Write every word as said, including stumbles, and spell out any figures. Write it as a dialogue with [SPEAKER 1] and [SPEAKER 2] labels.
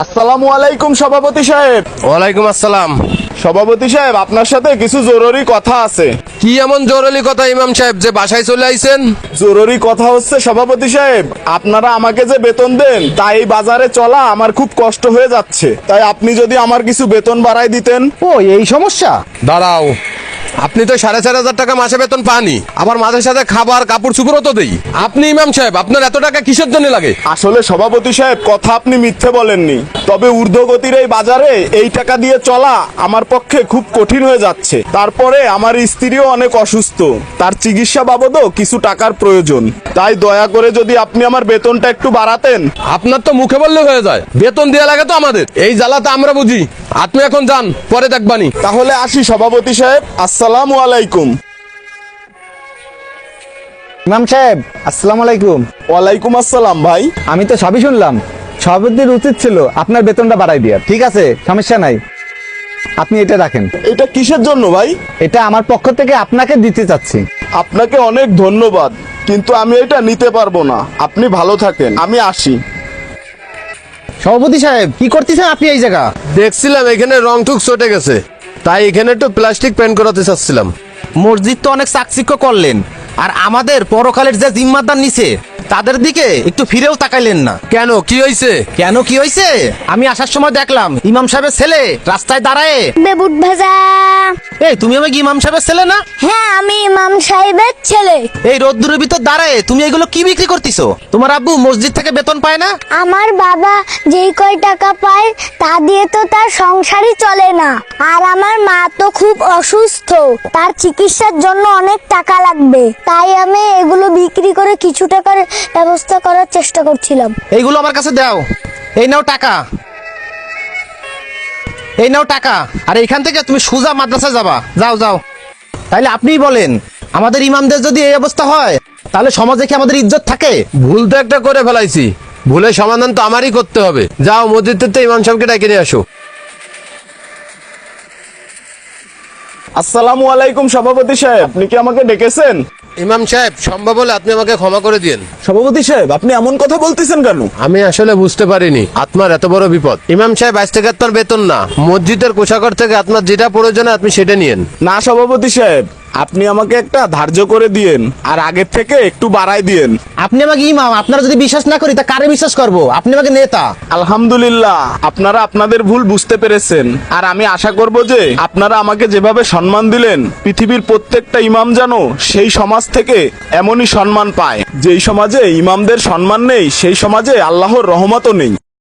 [SPEAKER 1] আসসালামু আলাইকুম সভাপতি সাহেব।
[SPEAKER 2] ওয়ালাইকুম আসসালাম।
[SPEAKER 1] সভাপতি সাহেব, আপনার সাথে কিছু জরুরি কথা আছে।
[SPEAKER 2] কি এমন জরুরি কথা ইমাম সাহেব যে বাসায় চলে আইছেন?
[SPEAKER 1] জরুরি কথা হচ্ছে সভাপতি সাহেব, আপনারা আমাকে যে বেতন দেন তাই এই বাজারে চলা আমার খুব কষ্ট হয়ে যাচ্ছে। তাই আপনি যদি আমার কিছু বেতন বাড়াই দিতেন।
[SPEAKER 3] ও এই সমস্যা।
[SPEAKER 2] দাঁড়াও, আপনি তো সাড়ে চার হাজার টাকা মাসে বেতন পানি, আবার মাঝে সাথে খাবার কাপড় চুপড়ও তো দেই। আপনি ইমাম সাহেব আপনার এত টাকা কিসের জন্য লাগে?
[SPEAKER 1] আসলে সভাপতি সাহেব, কথা আপনি মিথ্যে বলেননি, তবে ঊর্ধ্বগতির এই বাজারে এই টাকা দিয়ে চলা আমার পক্ষে খুব কঠিন হয়ে যাচ্ছে। তারপরে আমার স্ত্রীও অনেক অসুস্থ, তার চিকিৎসা বাবদও কিছু টাকার প্রয়োজন। তাই দয়া করে যদি আপনি আমার বেতনটা একটু বাড়াতেন।
[SPEAKER 2] আপনার তো মুখে বললে হয়ে যায়, বেতন দেওয়া লাগে তো আমাদের। এই জ্বালাতে আমরা বুঝি। আপনি এখন যান, পরে দেখবানি।
[SPEAKER 1] তাহলে আসি সভাপতি সাহেব, আসসালামু আলাইকুম।
[SPEAKER 3] ইমাম সাহেব আসসালামু আলাইকুম।
[SPEAKER 1] ওয়ালাইকুম আসসালাম ভাই।
[SPEAKER 3] আমি তো সবই শুনলাম, সভাপতির উচিত ছিল আপনার বেতনটা বাড়াই দেওয়ার। ঠিক আছে, সমস্যা নাই, আপনি এটা রাখেন।
[SPEAKER 1] এটা কিসের জন্য ভাই?
[SPEAKER 3] এটা আমার পক্ষ থেকে আপনাকে দিতে চাচ্ছি।
[SPEAKER 1] আপনাকে অনেক ধন্যবাদ, কিন্তু আমি এটা নিতে পারবো না। আপনি ভালো থাকেন, আমি আসি।
[SPEAKER 3] সভাপতি সাহেব কি করতেছেন আপনি এই জায়গা?
[SPEAKER 2] দেখছিলাম এখানে রং টুক চটে গেছে, তাই এখানে একটু প্লাস্টিক পেন্ট করাতে চাচ্ছিলাম।
[SPEAKER 4] মসজিদ তো অনেক চাকচিক্য করলেন, আর আমাদের পরকালের যে জিম্মাদার নিছে তাদের দিকে একটু ফিরেও তাকাইলেন না।
[SPEAKER 2] কেন, কি হয়েছে?
[SPEAKER 4] কেন কি হয়েছে? আমি আসার সময় দেখলাম ইমাম সাহেবের ছেলে রাস্তায় দাঁড়ায়।
[SPEAKER 5] বেবুট ভাজা।
[SPEAKER 4] এই তুমি আমাকে ইমাম সাহেবের ছেলে না?
[SPEAKER 5] হ্যাঁ, আমি ইমাম সাহেবের ছেলে।
[SPEAKER 4] এই রোদ্দুরের ভিতর দাঁড়ায় তুমি এগুলো কি বিক্রি করতেছো? তোমার আব্বু মসজিদ থেকে বেতন পায় না?
[SPEAKER 5] আমার বাবা যেই কয় টাকা পায় তা দিয়ে তো তার সংসারই চলে না। আর আমার মা তো খুব অসুস্থ, তার চিকিৎসার জন্য অনেক টাকা লাগবে। তাই আমি এগুলো বিক্রি করে কিছু টাকার ব্যবস্থা করার চেষ্টা করছিলাম।
[SPEAKER 4] এইগুলো আমার কাছে দাও। এই নাও টাকা, এই নাও টাকা। আর এখান থেকে তুমি সোজা মাদ্রাসায় যাবা। যাও যাও। তাইলে আপনিই বলেন, আমাদের ইমামদের যদি এই অবস্থা হয় তাহলে সমাজে কি আমাদের ইজ্জত থাকে?
[SPEAKER 2] ভুল তো একটা করে ফেলাইছি, ভুলের সমাধান তো আমারই করতে হবে। যাও মসজিদ থেকে ইমাম সাহেবকে ডেকে নিয়ে আসো।
[SPEAKER 1] আসসালামু আলাইকুম সভাপতি সাহেব, আপনি কি আমাকে ডেকেছেন?
[SPEAKER 2] ইমাম সাহেব, সম্ভব হলে আপনি আমাকে ক্ষমা করে দিন।
[SPEAKER 1] সভাপতি সাহেব, আপনি এমন কথা বলতেছেন কেন?
[SPEAKER 2] আমি আসলে বুঝতে পারিনি আপনার এত বড় বিপদ। ইমাম সাহেব, আজ থেকে আপনার বেতন না, মসজিদের কোষাগার থেকে আপনার যেটা প্রয়োজন আপনি সেটা নিয়েন।
[SPEAKER 1] না সভাপতি সাহেব, আপনি আমাকে একটা ধার্য করে দিয়েন, আর আগের থেকে একটু বাড়াই দিয়েন।
[SPEAKER 4] আপনি আমাকে ইমাম, আপনারা যদি বিশ্বাস না করি তা কারে বিশ্বাস করব? আপনি আমাকে নেতা।
[SPEAKER 1] আলহামদুলিল্লাহ, আপনারা আপনাদের ভুল বুঝতে পেরেছেন। আর আমি আশা করব যে আপনারা আমাকে যেভাবে সম্মান দিলেন, পৃথিবীর প্রত্যেকটা ইমাম যেন সেই সমাজ থেকে এমনই সম্মান পায়। যেই সমাজে ইমামদের সম্মান নেই, সেই সমাজে আল্লাহর রহমতও নেই।